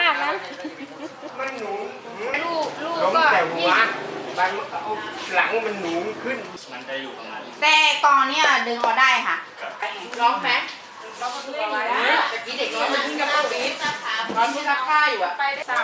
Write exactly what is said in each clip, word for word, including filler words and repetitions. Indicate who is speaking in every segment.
Speaker 1: ากนะ
Speaker 2: มันหนู
Speaker 1: ลูกลูก
Speaker 2: ล้ม
Speaker 1: ก็
Speaker 2: แต่หัวบางหลังมันหนูขึ้น
Speaker 3: มันจะอยู่ตรงนั้น
Speaker 1: แต่กองเนี่ยดึงออกได้ค่ะร้องไหมร้องประตูเอาไว้ตะกี้เด็กน้อยมันขึ้นกับประตูร้อนที่ซักผ้าอยู่อะไปได้สาม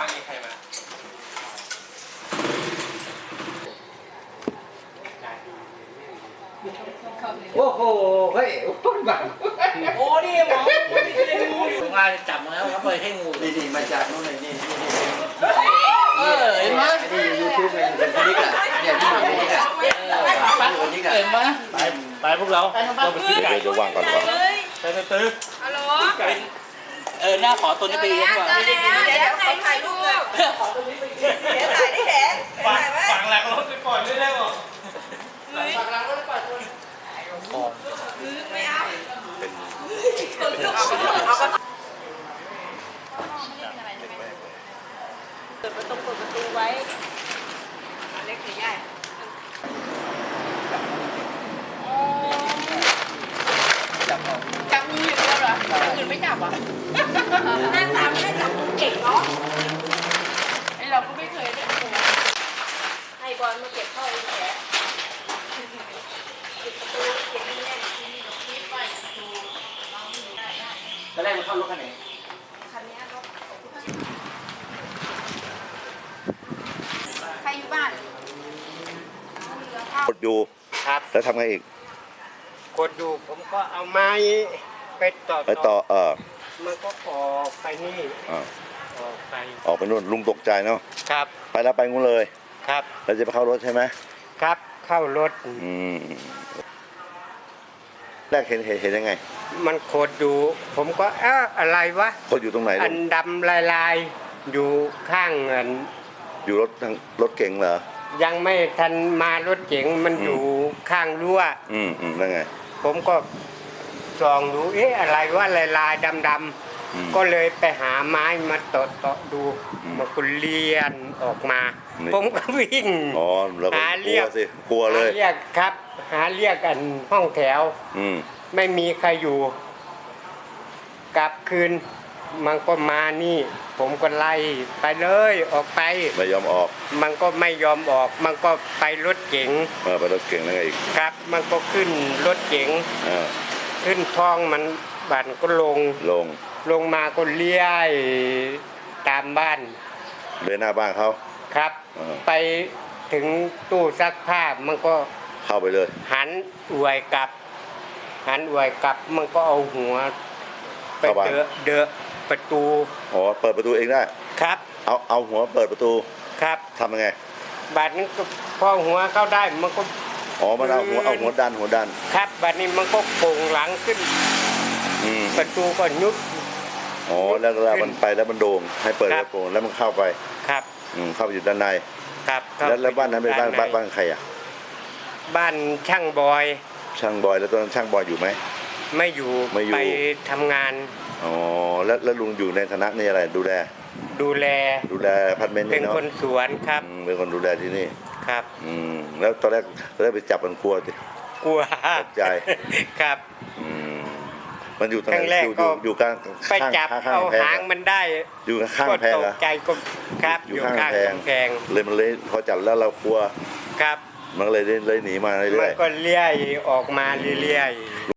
Speaker 2: โอ้โหเฮ้ยโอ้ยแบบ
Speaker 3: โอ้นี่หมอผมว่าจับมาแล้วเขาเปิดให้งู
Speaker 4: นี่นี่มาจากนู้นเลยนี่นี่นี่
Speaker 3: เออเห็นไหม
Speaker 4: นี่ยูทูบเป็นคนนี้กันเนี่ยที่คนนี้กันคนนี้กัน
Speaker 3: เห็นไหมไปไปพวกเราเราไปซื้อไก่
Speaker 5: เดี๋ยวว่างก่อนก่อน
Speaker 3: ไปไปซื้อ
Speaker 1: ฮัลโหล
Speaker 3: เออหน้าขอตัวนี้ไปเลี้ยงว่ะ
Speaker 1: เดี๋ยวถ่ายถ่ายรูปขอตัวนี้ไปเดี๋ยวถ่ายได้แหละ
Speaker 3: ฝังฝังหลังรถไปก่อนเรื่อยๆบอก
Speaker 1: ฝังหลังรถไปก่อนไม่เอาเอาก็เปิดประตูเปิดประตูไว้เล็กหรือใหญ่
Speaker 4: จับออก
Speaker 1: จับมืออยู่แล้วเหรออื่นไม่จับอ่ะหน้าตาไม่ได้จับมือเก่งเนาะไอเราก็ไม่เคยเล่นตัวให้บอลมาเก็บเข้าไอ้แผลปิดประตูเก็บนี่แน่ที่นี่เราคิดไปประตูเราอยู่ได้ได้
Speaker 4: ตอนแรกมันเข้ารถคันไหน
Speaker 1: คันนี้รถใครอยู่บ้าน
Speaker 5: กดอยู่
Speaker 2: ครับ
Speaker 5: แล้วทำไงอีก
Speaker 2: กดอยู่ผมก็เอาไม้ไปต่อ
Speaker 5: ไปต่อเออ
Speaker 2: มันก็ออกไปนี่
Speaker 5: อ่า
Speaker 2: ออกไป
Speaker 5: ออกไปนู่นลุงตกใจเนาะ
Speaker 2: ครับ
Speaker 5: ไปแล้วไปงูเลย
Speaker 2: ครับ
Speaker 5: แล้วจะไปเข้ารถใช่ไหม
Speaker 2: ครับเข้ารถ
Speaker 5: อืมแรกเห็นเห็นเห็นยังไง
Speaker 2: มันโคดอยู่ผมก็เอ๊ะอะไรวะ
Speaker 5: กดอยู่ตรงไหน
Speaker 2: อั
Speaker 5: ลุ
Speaker 2: น
Speaker 5: ง
Speaker 2: ดำลายๆอยู่ข้างเงิน
Speaker 5: อยู่รถทางรถเก๋งเหรอ
Speaker 2: ยังไม่ทันมารถเก๋งมัน
Speaker 5: อืม
Speaker 2: อยู่ข้างรั้ว
Speaker 5: อืมอืมแล้วไง
Speaker 2: ผมก็ส่องดูเอ๊ะอะไรวะลายๆดำ
Speaker 5: อืม
Speaker 2: ๆก็เลยไปหาไม้มาเตาะเตาะดู
Speaker 5: อืม
Speaker 2: มันก็เลียนออกมา
Speaker 5: นี่
Speaker 2: ผมก็วิ่ง
Speaker 5: อ๋อแล้วก็
Speaker 2: หาก เรี
Speaker 5: ลั
Speaker 2: ยว ก
Speaker 5: สิกลัวเลย
Speaker 2: หาเรียกครับ หาเรียกกันห้องแถว
Speaker 5: อืม
Speaker 2: ไม่มีใครอยู่ กลับคืนมันก็มานี่ ผมก็ไล่ไปเลยออกไป
Speaker 5: ไม่ยอมออก
Speaker 2: มันก็ไม่ยอมออก มันก็ไปรถเก๋ง
Speaker 5: เออไปรถเก๋งแล้วไงอีก
Speaker 2: ครับ มันก็ขึ้นรถเก๋ง
Speaker 5: เออ
Speaker 2: ขึ้นท้องมันบันก็ลง
Speaker 5: ลง
Speaker 2: ลงมาก็เลี้ยตามบ้าน
Speaker 5: เลยหน้าบ้านเขา
Speaker 2: ครับ
Speaker 5: เออ
Speaker 2: ไปถึงตู้ซักผ้ามันก็
Speaker 5: เข้าไปเลย
Speaker 2: หันอวยกลับ หันอวยกลับมันก็เอาหัวไปเดอะเดอะประตู
Speaker 5: อ๋อเปิดประตูเองได้
Speaker 2: ครับ
Speaker 5: เอาเอาหัวเปิดประตู
Speaker 2: ครับ
Speaker 5: ทำยังไง
Speaker 2: บาดนี้ก็พอหัวเข้าได้มันก็
Speaker 5: อ๋อมันเอาหัวเอาหัวดันหัวดัน
Speaker 2: ครับบาดนี้มันก็โป่งหลังขึ้น
Speaker 5: อืม
Speaker 2: ประตูก็ยุบ
Speaker 5: อ๋อแล้วเวลามันไปแล้วมันโด่งให้เปิด
Speaker 2: ครั
Speaker 5: แล้
Speaker 2: บ
Speaker 5: วโป่งแล้วมันเข้าไป
Speaker 2: ครับ
Speaker 5: อืมเข้าไปอยู่ด้านใน
Speaker 2: ครับเข้
Speaker 5: แล้วแล้วบ้านนั้นเป็นบ้าน
Speaker 2: ด้
Speaker 5: บ้าน
Speaker 2: ใ
Speaker 5: บ้านใครอ่ะ
Speaker 2: บ้านช่างบอย
Speaker 5: ช่างบอยแล้วตอนนั้นช่างบอยอยู่ไหม
Speaker 2: ไม่อยู่
Speaker 5: ไม่อยู่
Speaker 2: ไปทำงาน
Speaker 5: อ๋อแล้วแล้วลุงอยู่ในฐานะนี่อะไรดูแล
Speaker 2: ดูแล
Speaker 5: ดูแลอพาร์ตเมนต์
Speaker 2: เป็
Speaker 5: นี่
Speaker 2: น
Speaker 5: เนาะ
Speaker 2: คนสวนครับ
Speaker 5: อืมเป็นคนดูแลที่นี่
Speaker 2: ครับ
Speaker 5: อืมแล้วตอนแรกตอนแรกไปจับมันกลัวสิ
Speaker 2: กลัว
Speaker 5: ตกใจ
Speaker 2: ครับ
Speaker 5: อืมมันอยู่ตรง
Speaker 2: ค
Speaker 5: ไห
Speaker 2: รั้
Speaker 5: น
Speaker 2: งแรก
Speaker 5: อยู่อ
Speaker 2: ก็
Speaker 5: ยู่อยู่กลาง
Speaker 2: ไป
Speaker 5: ข้าง
Speaker 2: จับ
Speaker 5: ข้างข้าง
Speaker 2: เอา
Speaker 5: แพง
Speaker 2: หาง
Speaker 5: เหรอ
Speaker 2: มันได้
Speaker 5: อยู่ข้าง
Speaker 2: ก็
Speaker 5: แพง
Speaker 2: ต
Speaker 5: เหร
Speaker 2: ก
Speaker 5: อ
Speaker 2: ใจก็ครับ
Speaker 5: อยู่ข้างแพง
Speaker 2: กำแพง
Speaker 5: เลยมันเลยพอจับแล้วเรากลัว
Speaker 2: ครับ
Speaker 5: มันก็เลยเลยหนีมาเรื่
Speaker 2: มั
Speaker 5: อน ย
Speaker 2: ก็เลี้ยออกมาเรื่อยๆ